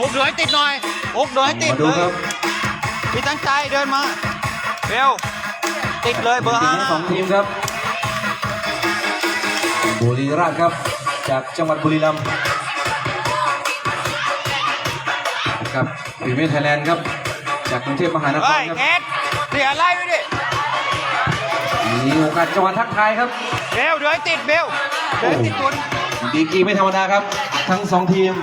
อกเดือให้ติดหน่อยอกเดือให้ติดเลยพี่ตั้งใจเดินมาเบลติดเลยเบอร์ 5 สองทีมครับบุรีรัมย์ครับจากจังหวัดบุรีรัมย์ครับพรีเมียร์ไทยแลนด์ครับจากกรุงเทพมหานครครับเอ็ดเสียไล่ด้วยดิมีโอกาสจังหวะทักทายครับเบลเดือให้ติดเบลเดือให้ติดตัวดีกรีไม่ธรรมดาครับทั้งสองทีม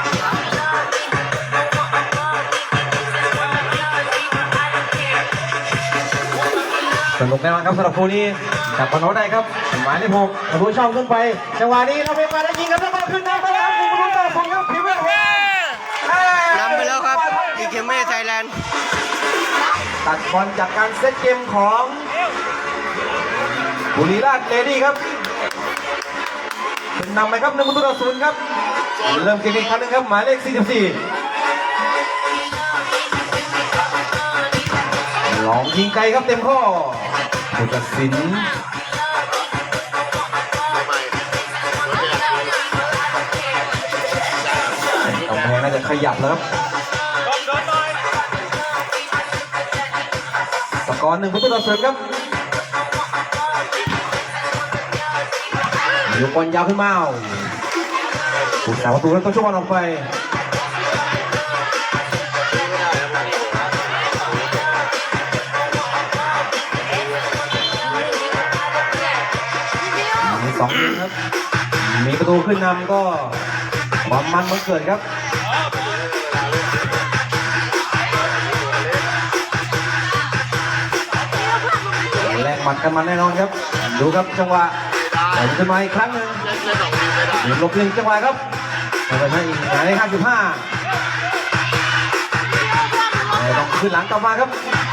สนุกแน่นอนครับสำหรับคู่นี้จับบอลได้ครับหมายเลข 6ประตูช่องขึ้นไปจังหวะนี้เราไปมาได้ยิงครับแล้วมาขึ้นน้ำไปแล้วคุณผู้ชมผมครับพิมพ์นำไปแล้วครับอีเคเม่ไทยแลนด์ตัดบอลจากการเซตเกมของบุรีรัมย์เลดี้ครับเป็นนำไปครับ1-0ครับเริ่มเกมอีกครั้งนึงครับหมายเลข 44ลองยิงไกลครับเต็มข้อผู้ตัดสินกำแพงน่าจะขยับแล้วครับสกอร์1-0ครับยกบอลยาวขึ้นมาผู้สาวประตูแล้วต้องช่วยบอลออกไปมี2ทีมครับมีประตูขึ้นนำก็ความมันเกิดครับแลกหมัดกันมันแน่นอนครับดูครับจังหวะขึ้นมาอีกครั้งหนึ่งหลบหนึ่งจังหวะครับไปให้อีกหมายเลข 55ต้องขึ้นหลังกลับมาครับ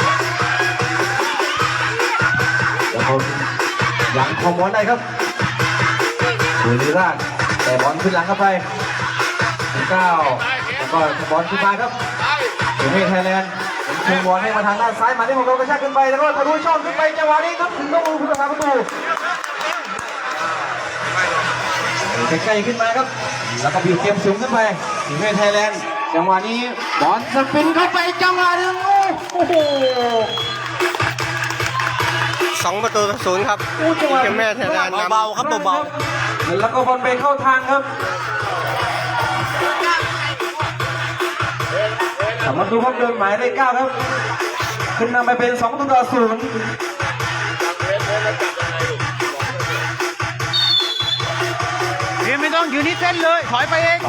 แล้วก็ยังคอมบอลได้ครับบุรีรัมย์แต่บอลขึ้นหลังเข้าไป9แล้วก็บอลขึ้นมาครับพรีเมียร์ไทยแลนด์ยิงบอลให้มาทางด้านซ้ายมาที่ของเรากระชากขึ้นไปแล้วก็ทะลุช่องขึ้นไปจังหวะนี้ครับต้องผู้รักษาประตูใกล้ๆขึ้นมาครับแล้วก็บีบเกมสูงขึ้นไปพรีเมียร์ไทยแลนด์จังหวะนี้บอลสปินเข้าไปจังหวะนึงโอ้โห 2-0ครับอีเคเม่ไทยแลนด์เบาๆครับเบาๆแล้วก็บอลไปเข้าทางครับสามารถดูครับเดินหมายเลข 9ครับขึ้นนำไปเป็น2-0 ไม่ต้องอยู่ที่เส้นเลยถอยไปเอง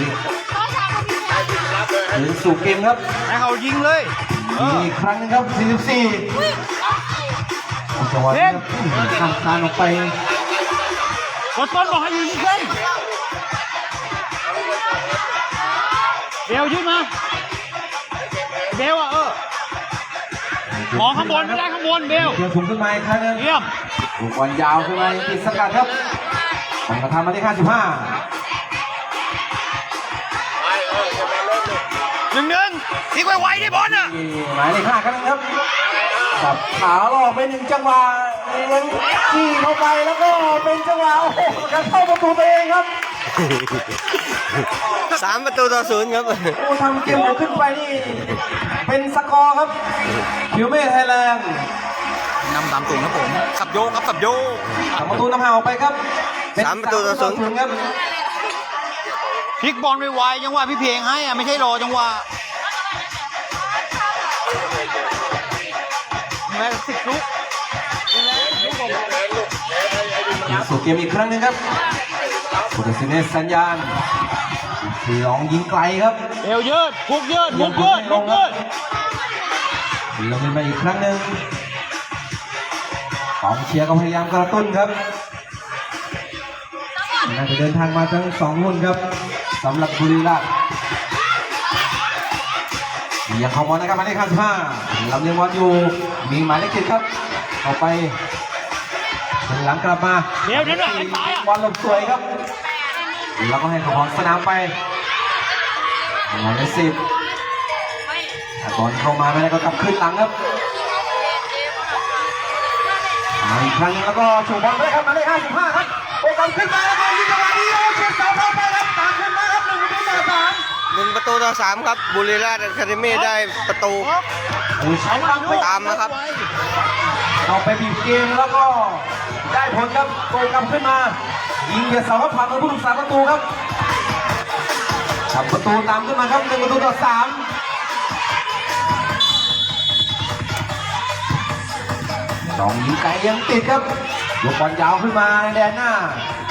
ถึงสู่เกมครับให้เขายิงเลยอีกครั้งนึงครับ44จังหวะนี้ข้ามคานออกไปกดต้นบอกให้ยิงเส้นเบลยืดมาเบลมองข้างบนไม่ได้ข้างบนเบลเกี่ยวถุงขึ้นมาอีกครั้งนึงเยี่ยมลูกบอลยาวขึ้นมาติดสกัดครับของกระทำมาที่55 1-1ทิ้งไว้ดิบอลอ่ะหมายเลข 5ครั้งนึงครับสับขาล่อไป1จังหวะเลี้ยงขี่เข้าไปแล้วก็เป็นจังหวะโอ้โหการเข้าประตูตัวเองครับ 3-0ครับโอ้ทำเกมขึ้นไปนี่เป็นสกอร์ครับคิวเม่ไทยแลนด์นำ3-0ครับผมขับโยกครับขับโยกประตูนำห่างออกไปครับ 3-0 ครับพลิกบอลไวๆจังหวะพี่เพลงให้ไม่ใช่รอจังหวะแม่10 ลูกสู่เกมอีกครั้งนึงครับผู้ตัดสินให้สัญญาณลองยิงไกลครับเอวยืดพุกยืดพุกยืดพุกยืดลงมาอีกครั้งหนึ่งของเชียร์ก็พยายามกระตุ้นครับน่าจะเดินทางมาทั้ง2รุ่นครับสำหรับบุรีรัมย์ยังเข้าบอลนะครับหมายเลข 55ลำเลียงบอลอยู่มีหมายเลข 7ครับออกไปหลังกลับมาเดี๋ยวบอลหลบสวยครับแล้วก็ให้ของสนามไปหมายเลข 10บอลเข้ามาไม่ได้ก็กลับขึ้นหลังครับอีกครั้งแล้วก็ถูกบอลไปครับหมายเลข 55ครับโอกาสขึ้นมาแล้วก็ยิงจังหวะนี้โอ้เฉียดเสาเข้าไปครับตามขึ้นมาครับ1-3 1-3ครับบุรีรัมย์อะคาเดมี่ได้ประตูผู้ใช้บังตามนะครับเอาไปบีบเกมแล้วก็ได้ผลครับโกงกลับขึ้นมายิงเหยียดเสาครับผ่านมือผู้รักษาประตูครับทำประตูตามขึ้นมาครับ1-3สองยิงไกลยังติดครับยกบอลยาวขึ้นมาในแดนหน้า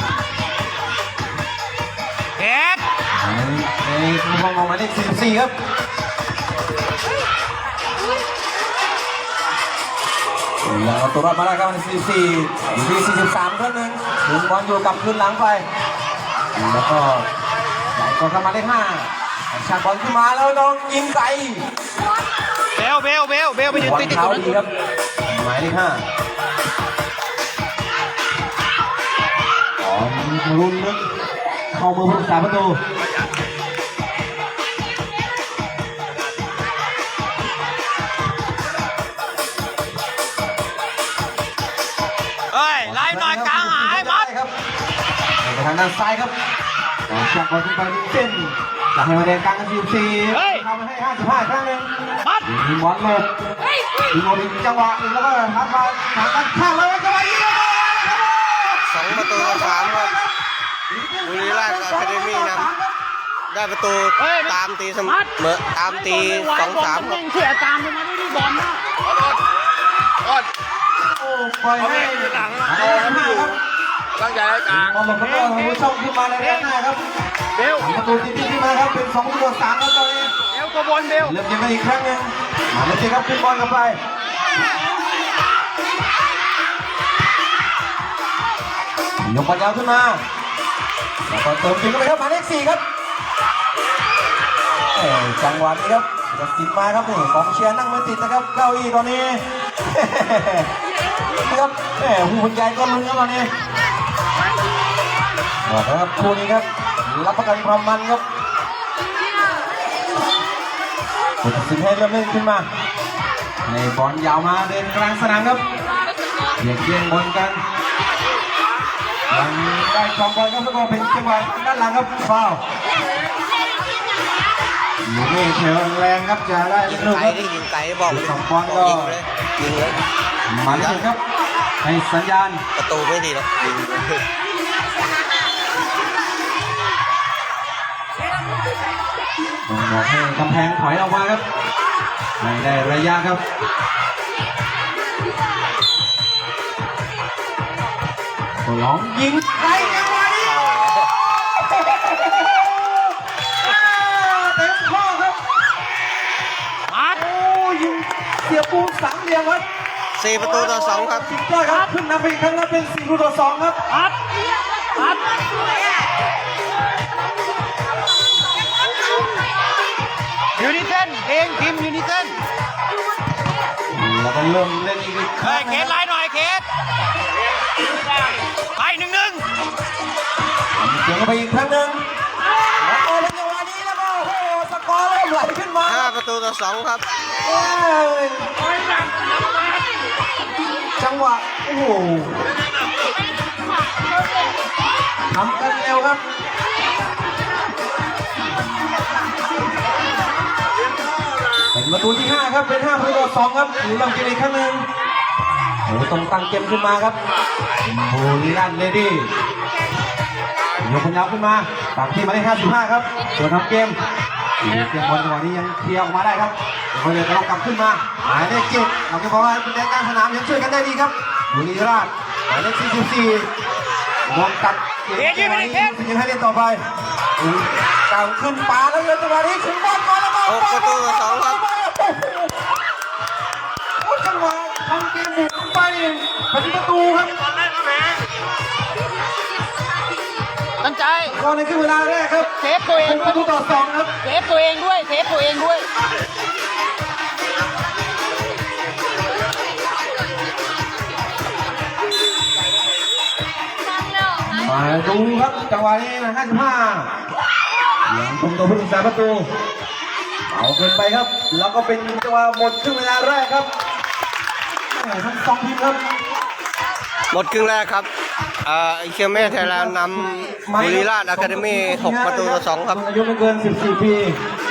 เอ็ดในมุมมองของหมายเลข44ครับยังเอาตัวรอดมาได้ครับใน44อยู่ที่43ครั้งหนึ่งถึงบอลอยู่กับคืนหลังไปแล้วก็ใหญ่กว่าเข้ามาได้5ฉากบอลขึ้นมาแล้วน้องยิงไกลเบลไปยืนบอลติดเท้าตัวนั้นดีครับหมายเลข5อ๋อรุ่นนึงเข้ามือผู้รักษาประตูเฮ้ยไล่หน่อยกลางหายมัดครับไปทางด้านซ้ายครับจากบอลขึ้นไปที่เส้นจากให้มาแดงกลางกัน44เข้ามาให้55ครั้งหนึ่งมัดยิงบอลหลบยิงบอลอีกจังหวะหนึ่งแล้วก็ทักมาทางด้านข้างแล้วจังหวะยิง 2-3ครับบุรีรัมย์อะคาเดมี่นำได้ประตูตามตีเสมอตามตี2-3ครับเสียตามไปมาด้วยบอลนะโอ้ปล่อยให้หลังครับตั้งใจให้กลางบอลหลบแล้วก็ผู้ช่องขึ้นมาในด้านหน้าครับเบลประตูที่ขึ้นมาครับเป็น2-3แล้วตอนนี้เบลตัวบอลเบลเริ่มยิงกันอีกครั้งหนึ่งมาเลยครับขึ้นบอลกันไปยกบอลยาวขึ้นมาแล้วก็เติมถึงกันไปครับหมายเลข4ครับจังหวะนี้ครับจะติดมาครับนี่กองเชียร์นั่งไม่ติดนะครับเก้าอี้ตอนนี้นะครับหูบรรยายก็ลุ้นครับตอนนี้บอกนะครับคู่นี้ครับรับประกันความมันครับผู้ตัดสินให้เริ่มเล่นขึ้นมาในบอลยาวมาเดินกลางสนามครับเบียดเบียนบอลกันยังได้ครองบอลครับแล้วก็เป็นจังหวะด้านหลังครับฟาวล์อยู่นี่เทแรงครับจะได้ยิงลูกไกลครับดิยิงไกลบอกเลยสองบอลก็ยิงเลยหมายเลขครับให้สัญญาณประตูไม่ดีหรอกยิงบอกให้กำแพงถอยออกมาครับไม่ได้ระยะครับตัวหลองยิงไกลจังหวะนี้เต็มข้อครับมัดโอ้ยิงเสียปูน3เหลี่ยมครับ 4-2ครับสุดยอดครับขึ้นนำไปอีกครั้งแล้วเป็น4-2ครับมัดมัดยูนิเซนเพลงทีมยูนิเซนแล้วก็เริ่มเล่นอีกคเฮ้รั้ยงเคสไล่หน่อยเคสไป1-1 เสียงไปอีกครั้งหนึ่งแล้วก็เล่นจังหวะนี้แล้วก็โอ้โหสกอร์เริ่มไหลขึ้นมา 5-2ครับเอ้ยจังหวะโอ้โหทำกันเร็วครับเป็นประตูที่5ครับเป็น5-2ครับหรือลองกินอีกครั้งหนึ่งโอ้โหต้องตั้งเกมขึ้นมาครับบุรีรัมย์เลดี้ยกคนยาวขึ้นมาปากที่มาได้55ครับตัวทำเกมเกมบอลจังหวะนี้ยังเคลียร์ออกมาได้ครับเดี๋ยวเรากลับขึ้นมาหมายเลข7เราจะบอกว่าเป็นแดนกลางสนามยังช่วยกันได้ดีครับบุรีรัมย์หมายเลข44มองตัดเกมจังหวะนี้ยังให้เล่นต่อไปกางขึ้นปาแล้วเลยจังหวะนี้ถึงบอลมาแล้วก็ 6-2ครับโอ้จังหวะทำเกมบุกไปเป็นประตูครับตั้งใจก่อนในครึ่งเวลาแรกครับเซฟตัวเองเป็นปด้วระยตูต่อ2ครับเซฟตัวเองด้วยเซฟตัวเองด้วยมาดูครับจังหวะนี้นะ55ยังคงตัวผู้รักษาประตูเอาเกินไปครับแล้วก็เป็นจังหวะหมดครึ่งเวลาแรกครับทั้ง2ทีมครับหมดครึ่งแรกครับเชียร์แม่ไทยแลนด์นำบุรีราชอะคาเดมี่6-2ครับอายุไม่เกิน 14 ปี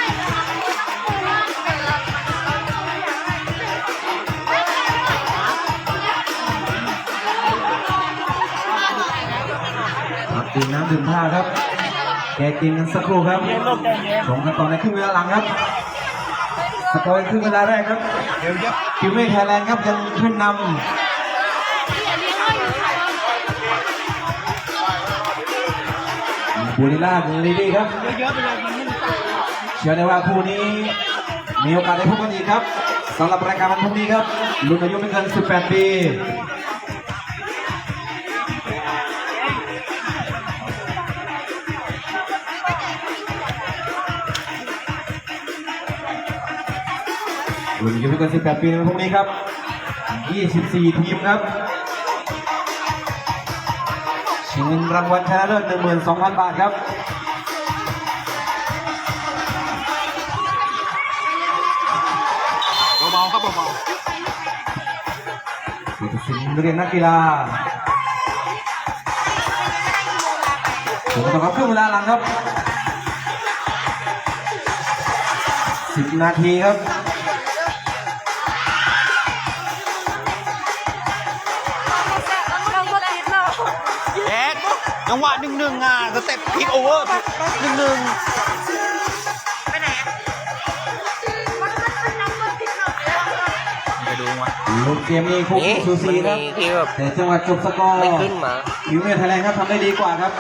ดื่มน้ำดื่มท่าครับแกกินกันสักครู่ครับส่งกันต่อในครึ่งเวลาหลังครับสกอร์ครึ่งเวลาแรกครับคิวเมฆไทยแลนด์ครับยังขึ้นนำบุรีรัมย์ลีดีครับเชื่อได้ว่าคู่นี้มีโอกาสได้พบกันอีกครับสำหรับรายการวันพรุ่งนี้ครับรุ่นอายุไม่เกิน 18 ปีรุ่นอายุไม่เกิน 18 ปีในวันพรุ่งนี้ครับ 24 ทีมครับชิงเงินรางวัลชนะเลิศ 12,000 บาทครับเบาๆครับเบาๆผู้ตัดสินเรียนนักกีฬาถูกต้องครับครึ่งเวลาหลังครับ 10 นาทีครับจังหวะ1-1สเต็ปพลิกโอเวอร์1-1ไปไหนไปดูมาลูกเกมนี้คู่ซูซีครับแต่จังหวะจบสกอร์ไม่ขึ้นมาคิวเมฆไทยแลนด์ครับทำได้ดีกว่าครับ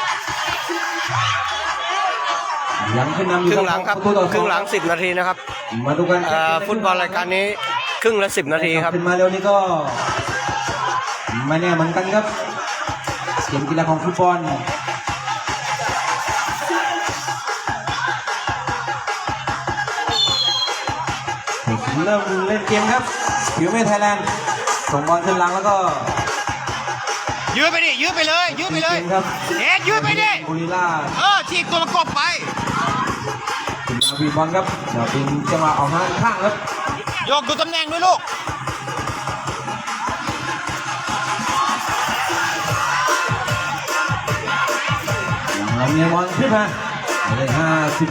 ยังขึ้นนำอยู่ครึ่งหลังครับครึ่งหลัง10 นาทีนะครับมาดูกันฟุตบอลรายการนี้ครึ่งละ10 นาทีครับขึ้นมาเร็วนี้ก็ไม่แน่เหมือนกันครับเกมกีฬาของฟุตบอลเริ่มเล่นเกมครับคิวเมฆไทยแลนด์ส่งบอลขึ้นหลังแล้วก็ยืดไปดิยืดไปเลยยืดไปเลยครับยืดไปดิบุรีรัมย์ฉีกตัวประกบไปถึงมาวีบอลครับเดี๋ยวเป็นจังหวะออกมาข้างครับยกดูตำแหน่งด้วยลูกเราเมียบอลขึ้นมาเลข55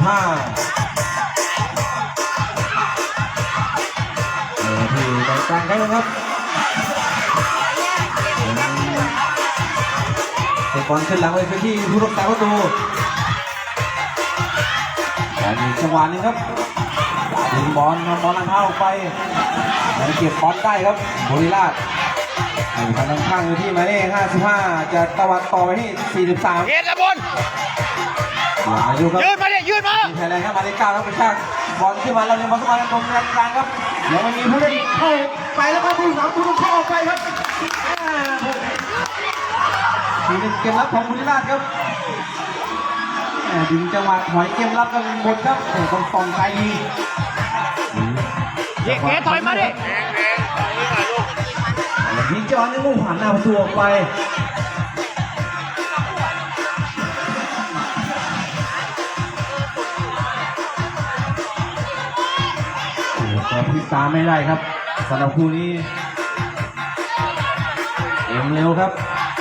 ที่ตรงกลางครับเตะบอลขึ้นหลังไปที่ผู้รักษาประตูแต่มีจังหวะนึงครับดึงบอลนำบอลลังเท้าออกไปแล้วเก็บบอลได้ครับบุรีรัมย์ทางข้างอยู่ที่หมายเลข55จะตะวันต่อไปที่43 เฮ็ดละบนยืดมาดิยืดมาไทยแลนด์ครับหมายเลข9ครับกระชากบอลขึ้นมาเราเนี่ยบอลเข้ามาตรงกลางครับแล้วมันมีผู้เล่นเข้าไปแล้วก็ผู้สามผู้ต้องเข้าออกไปครับทีนี้เกมรับของบุรีรัมย์ครับดึงจังหวะถอยเกมรับกันหมดครับแต่ต้องส่องไกลยิงเก๋ถอยมาดิยิงจอนี่มุ่งผ่านหน้าประตูออกไปก็พิษาไม่ได้ครับสำหรับคู่นี้เอ็มเร็วครับ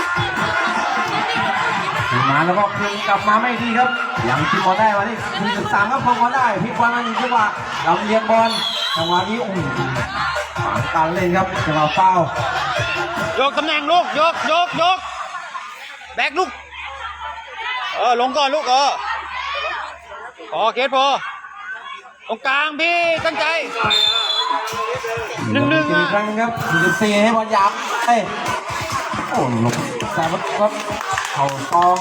ถึงมาแล้วก็คืนกลับมาไม่ดีครับยังพิบอลได้มาที่1-3ครับพอบอลได้พลิกบอลมา1จังหวะเราเลี้ยงบอลจังหวะนี้ผ่านการเล่นครับจังหวะฟาวล์ยกตำแหน่งลูกยกแบกลูกลงก่อนลูกเกตพอตรงกลางพี่ตั้งใจ1-1 อีกครั้งนึงครับ44ให้บอลยับโอ้ลงแต่ว่าครับเข่าตอง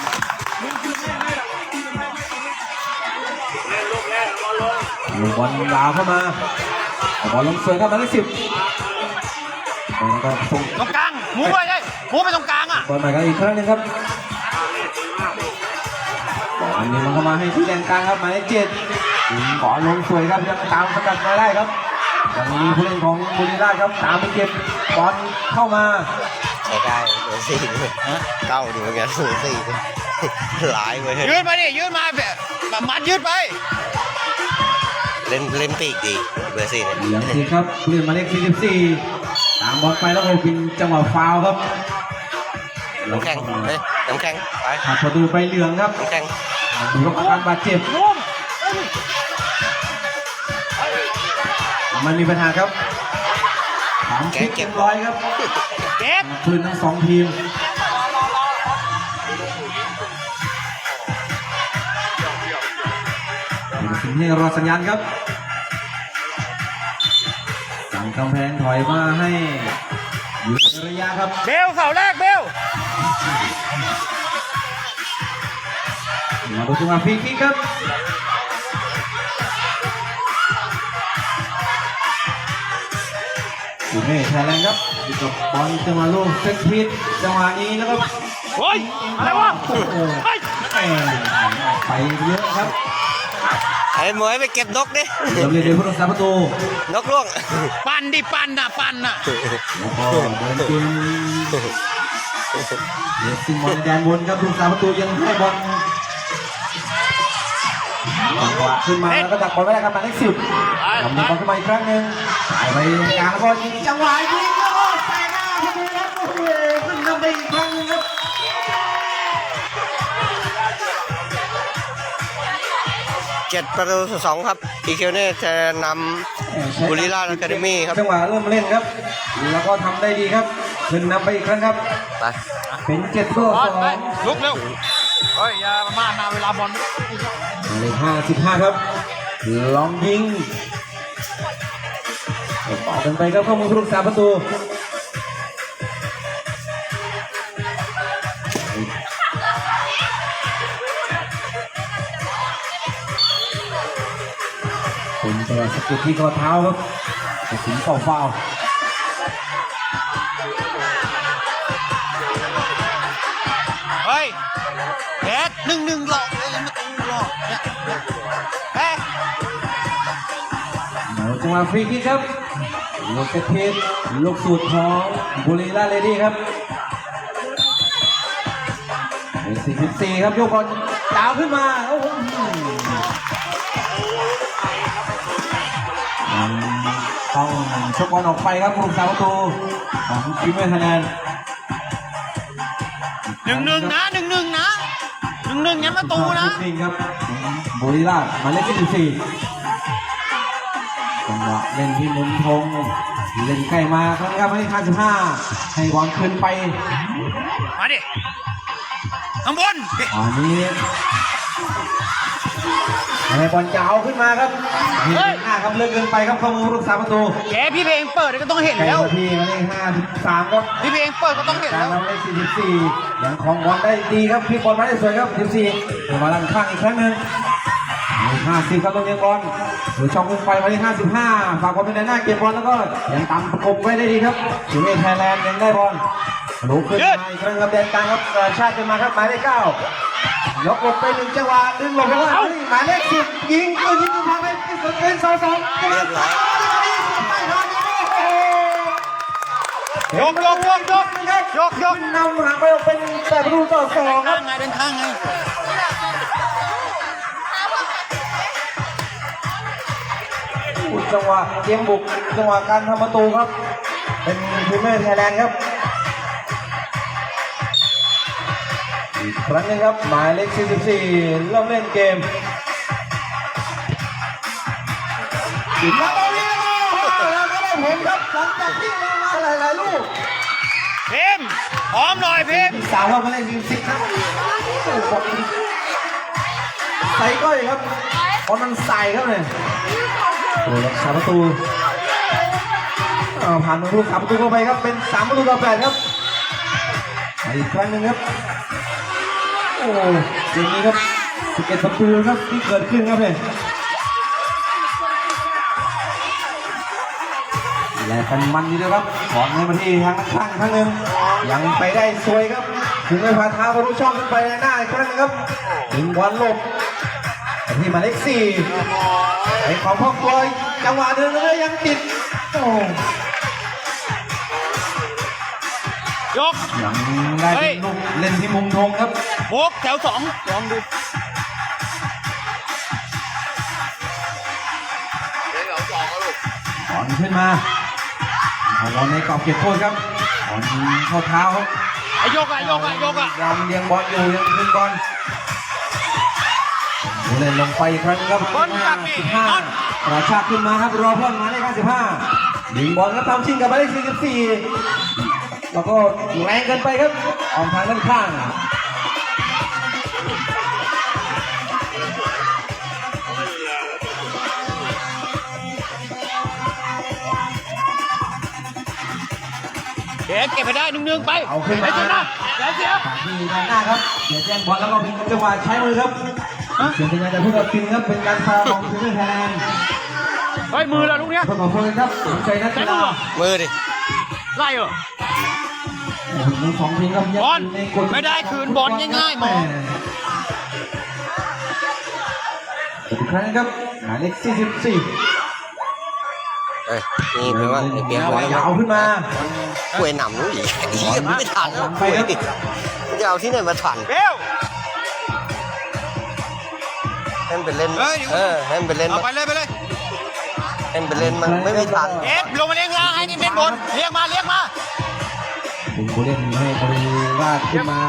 บอลยาวเข้ามาบอลลงสวยครับมาได้10แล้วก็ส่งตรงกลางมูไปเลยมูไปตรงกลางบอลใหม่กันอีกครั้งนึงครับบอลนี้มันเข้ามาให้ที่แดนกลางครับหมายเลข7บอลลงสวยครับยังตามสกัดมาได้ครับยังมีผู้เล่นของบุรีรัมย์ครับตามไปเก็บบอลเข้ามาได้เบอร์4เข้าดูเหมือนกันเบอร์4หลายเลยยืดมาดิยืดมามัดยืดไปเล่นปีกดีเบอร์4เนี่ยยังดีครับเล่นมาเลข44ตามบอลไปแล้วก็เป็นจังหวะฟาวล์ครับน้ำแข็งเฮ้ยน้ำแข็งไปหักประตูไปเหลืองครับน้ำแข็งดูครับอาการบาดเจ็บมันมีปัญหาครับถามคิดเก็บร้อยครับเก็บคืนทั้งสองทีมสิ่งที่รอสัญญาณครับสั่งกำแพงถอยมาให้อยู่ในระยะครับเบลเสาแรกเบลมาดูจังหวะฟรีคิกครับอยู่ในไทยแลนด์ครับอยู่กับบอลจังหวะลูกเซตพีทจังหวะนี้แล้วก็โอ้ยอะไรวะโอ้โหเฮ้ยไปเยอะครับไอ้หมวยไปเก็บนกดิเริ่มเล่นโดยผู้รักษาประตูนกล่วงปั่นดิปั่นน่ะปั่นน่ะแล้วก็เดินเกมเดี๋ยวซิงบอลในแดนบนครับผู้รักษาประตูยังให้บอลจังหวะขึ้นมาแล้วก็ดักบอลไม่ได้ครับหมายเลข10ทำบอลขึ้นมาอีกครั้งหนึ่งไปกลางแล้วก็ยิงจังหวะยิงแล้วก็ใส่หน้าประตูครับโอ้โหขึ้นนำไปอีกครั้งหนึงครับ 7-2ครับอีคิวเนี่ยจะนำบุรีรัมย์อะคาเดมี่ครับจังหวะเริ่มเล่นครับ แล้วก็ทำได้ดีครับขึ้นนำไปอีกครั้งครับไปเป็น7-2 ลุกเร็วเฮ้ยอย่ามานาเวลาบอลเลข55ครับลองยิงต่อกันไปครับเข้ามือผู้รักษาประตูเป็นจังหวะสะกิดที่ข้อเท้าครับตัดสินเฝ้าเฮ้ยเด็ด1-1หลอกเลยมาตูหลอกเนี่ยเฮ้ยจังหวะฟรีคิกครับลูกเซตพีทลูกสูตรของบุรีรัมย์เลดี้ครับ44ครับยกบอลดาวขึ้นมาโอ้โหต้องชกบอลออกไปครับผู้รักษาประตูของทีมเวทคะแนน 1-1นะ1-1นะ1-1ยันประตูนะนิ่งครับบุรีรัมย์หมายเลข24จังหวะเล่นที่มุมธงเล่นใกล้มาครับให้55ให้บอลขึ้นไปมาดิข้างบนอันนี้ให้บอลยาวขึ้นมาครับหน้าครับเลิกเกินไปครับเข้ามือผู้รักษาประตูแกพี่เพลงเปิดก็ต้องเห็นใกล้แล้วมาที่หมายเลข53ครับพี่เพลงเปิดก็ต้องเห็นการแล้วนำเลข44ยังของบอลได้ดีครับพี่บอลมาได้สวยครับ14เดี๋ยวมาลันข้างอีกครั้งหนึ่ง50ครับต้องยังบอลหรือช่องขึ้นไปมาที่55ฝากบอลเป็นหน้าเก็บบอลแล้วก็ยังตามประกบไว้ได้ดีครับถึงเอไทยแลนด์ยังได้บอลลุกขึ้นมาอีกครั้งครับแดนกลางครับชาติขึ้นมาครับหมายเลข9ยกหลบไป1จังหวะดึงหลบไปว่าหมายเลข10ยิงยิงทางไปเป็น2-2 เรียบร้อยยกนำห่างไปออกเป็น8-2ครับเดินข้างไงจังหวะเกมบุกจังหวะการทำประตูครับเป็นพรีเมียร์ไทยแลนด์ครับอีกครั้งหนึงครับหมายเลข44เริ่มเล่นเกมแล้วก็ได้ผลครับหลังจากที่เรามาหลายๆลูกเพมพร้อมหน่อยเพมสาวเรามาเล่น40ครับใส่ก้อยครับบอลมันใส่ครับเนี่ยโอ้รักษาประตูผ่านมือลูกขับประตูเข้าไปครับเป็น3-8ครับอีกครั้งหนึ่งครับโอ้เกมนี้ครับ11ประตูครับที่เกิดขึ้นครับเนี่ยและกันมันดีนะครับขอให้มาที่ทางข้างครั้งหนึ่งยังไปได้สวยครับถึงไม่ผ่านเท้าบอลลูกช่องขึ้นไปในหน้าอีกครั้งนึงครับถึงบอลหลบที่หมายเลข4ไอ้ของพ่อคอยจังหวะเดินเลยยังติดโอ้ยกยังได้เป็นลูกเล่นที่มุมธงครับโบกแถว2ลองดูถอนขึ้นมาบอลในกรอบเก็บโทษครับบอลเข้าเท้าครับไอ้ยกอ่ะยกอ่ะยกอ่ะยังเลี้ยงบอลอยู่ยังคืนบอลเล่นลงไปอีกครั้งครับ15กระชากขึ้นมาครับรอเพื่อนมาเลข55ยิงบอลครับทำชิงกับหมายเลข44แล้วก็แรงเกินไปครับออกทางด้านข้างเก็บไปได้1-1ไปเอาขึ้นมาไอ้ชนะอย่าเสียที่ด้านหน้าครับเดี๋ยวแจ้งบอลแล้วก็พิงจังหวะใช้มือครับเสียงสัญญาณจะพูดกับพิงครับเป็นการฟาวของทีมไทยแลนด์เฮ้ยมือละลูกเนี้ยเพื่อนของเพื่อนครับสนใจนักกีฬามือดิไล่เหรอมือของทีมครับบอลไม่ได้คืนบอลง่ายๆมองอีกครั้งครับหมายเลข44 เอ้ยนี่แปลว่าไอ้เปียกบอลยาวขึ้นมาคุยหนำนู้นอีกไม่ทันแล้วคุยดิจะเอาที่ไหนมาทันเบลให้มันเป็นเล่นให้มันเป็นเล่นเอาไปเลยไปเลยให้มันเป็นเล่นมันไม่มีทันลงมาเลี้ยงล่างให้นี่เป็นบนเลี้ยงมาเลี้ยงมาเป็นผู้เล่นให้บริวาดขึ้นมา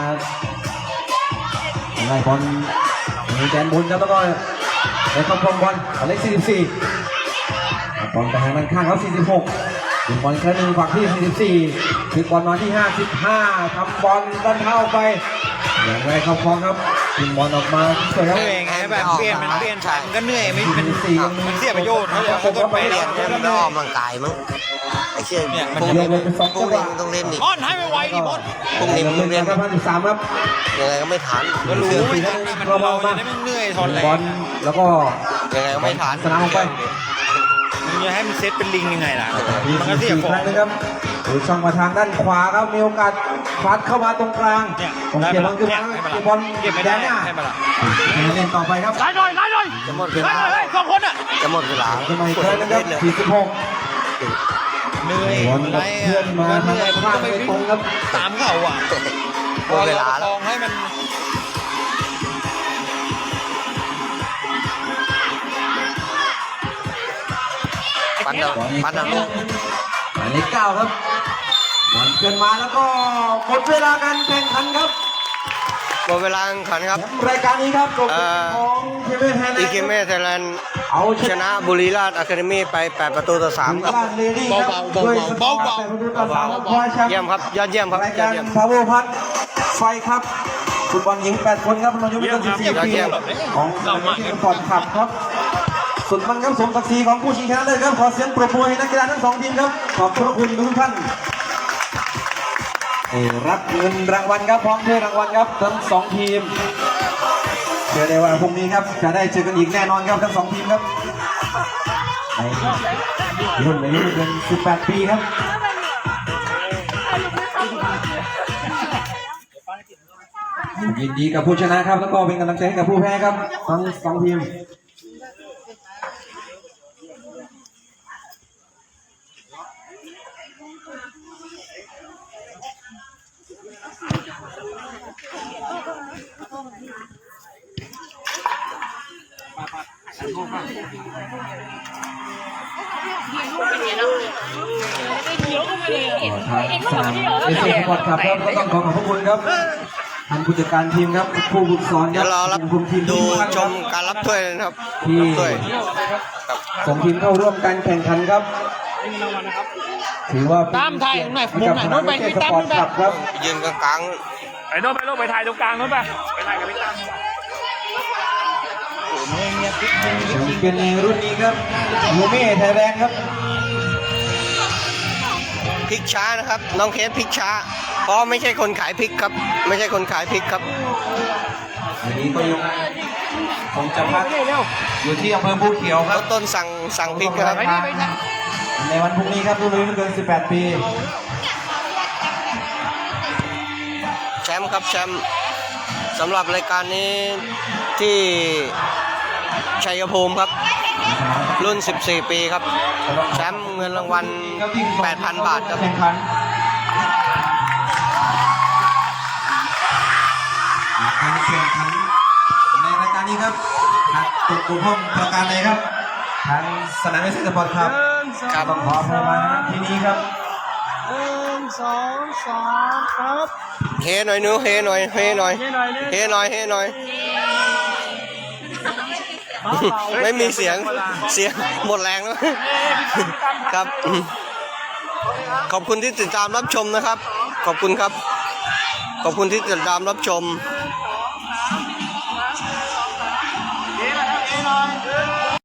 ไล่บอลมีแดนบนครับแล้วก็ได้เข้าครองบอลหมายเลข44บอลไปทางด้านข้างเขา46ถึงบอลแค่หนึ่งฝั่งที่44ถึงบอลมาที่55ทำบอลด้านเท้าไปอย่างไรเข้าครองครับถึงบอลออกมาสวยครับเหนื่อยไงแบบเปลี่ยนมันก็เหนื่อยไม่มันเสียประโยชน์เขาต้องไปเปเรีลี่ยยนนให้มันได้ออกกำลังกายมั้งไอ้เชี่ยพวกเรียนี้กเลยเป็น2 พวจักงหนี้วะต้องเล่นดิบอลให้ไวๆดิบอลพรุ่งนี้มึงเรียนครับ53ครับยังไงก็ไม่ทันก็รู้ไม่ทันมันเราจะได้ไม่เหนื่อยทอนแรบอง ลแล้วก็ยังไงก็ไม่ทันสนามออกไปมึงจะให้มันเซตเป็นลิงยังไงล่ะมีมันก็เสีย 4 ขอครั้งงนะครับดูช่องมาทางด้านขวาครับมีโอกาสฟัดเข้ามาตรงกลางตรงเกียร์บอลขึ้นมาเกียร์บอลเก็บไม่ได้แดนหน้าให้มาละเล่นต่อไปครับไล่หน่อยไล่หน่อยจะหมดเวไล่ลาหน่อย2คนอ่ะจะหมดเวลาขึ้นมาอีกครั้งนะครับ46 เหนื่อยบอลไรเพื่อนมาเหทางนื่อยด้านมันข้างก็ไปไม่ตรงครับตามเขาอ่ะหมดเวลาลแล้วองให้มันปันเอาปันเอาหมายเลข9ครับบอลเกินมาแล้วก็หมดเวลาการแข่งขันครับหมดเวลาแข่งขันครับรายการนี้ครับจบของเทเวไทยแลนอีด์เคเมไทยแลนด์เอาชนะบุรีราชอะคาเดมี่ไป8-3ครับ เยี่ยมครับยอดเยี่ยมครับรายยอการดเยี่ยมพาวเวอร์พัทไฟครับฟุตบอลหญิง8 คนครับอายุไม่เกิน14 ปีของสปอร์ตคลับครับสุดมันครับสมศักดิ์ศรีของผู้ชิงชนะเลิศครับขอเสียงปรบมือให้นักกีฬาทั้ง2 ทีมครับขอบคุณทุกท่านรับเงินรางวัลครับพร้อมถ้วยรางวัลครับทั้ง2 ทีมเชื่อได้ว่าพรุ่งนี้ครับจะได้เจอกันอีกแน่นอนครับทั้ง2 ทีมครับในรุ่นอายุไม่เกิน18 ปีครับยินดีกับผู้ชนะครับแล้วก็เป็นกำลังใจให้กับผู้แพ้ครับทั้ง2 ทีมทางสนามเอเชียสปอร์ตคลับครับก็ต้องขอขอบคุณครับท่านผู้จัดการทีมครับผู้ฝึกสอนคเดี๋รัยวรอรับคุมทีมดูทุกท่านชครัมบการรับถ้วยนะครับที่รับถ้วยส่งทีมเข้าร่วมการแข่งขันครับถือว่าเป็นตามไทยหน่อยมุมไหนโน้นไปที่สตามปอร์นู่ตนไปคลับครับยืนกลางไปโน่นไปโน่นไปถ่ายตรงกลางโน่นไปไปถ่ายกับพี่ตั้มแชมเปี้ยนในรุ่นนี้ครับยูเม่ไทยแลนด์ครับๆพริกช้านะครับ น้องเคสพริกช้า เพราะไม่ใช่คนขายพริกครับ ไม่ใช่คนขายพริกครับวันนี้ก็ยังคงจะพักอยู่ที่อำเภอภูเขียวคแล้รับวต้นสั่งพริกนะครับในวันพรุ่งนี้ครับรุ่นอายุไม่เกิน18 ปีแชมป์ครับแชมป์สำหรับรายการนี้ที่ชัยภูมิครับ รุ่น 14 ปีครับ แชมป์เงินรางวัล 8,000 บาทครับแข่งขันการแข่งขันในรายการนี้ครับหากตกบกพร่องประการใดครับทางสนามเอเชียสปอร์ตคลับครับต้องขออภัยมาณที่นี้ครับ 1 2 3ครับเฮหน่อยหนูเฮหน่อยเฮหน่อยนี่หน่อยนี่เฮหน่อยเฮหน่อย ไม่มีเสียงหมดแรงแล้วครับ ขอบคุณที่ติดตามรับชมนะครับ ขอบคุณครับ ขอบคุณที่ติดตามรับชม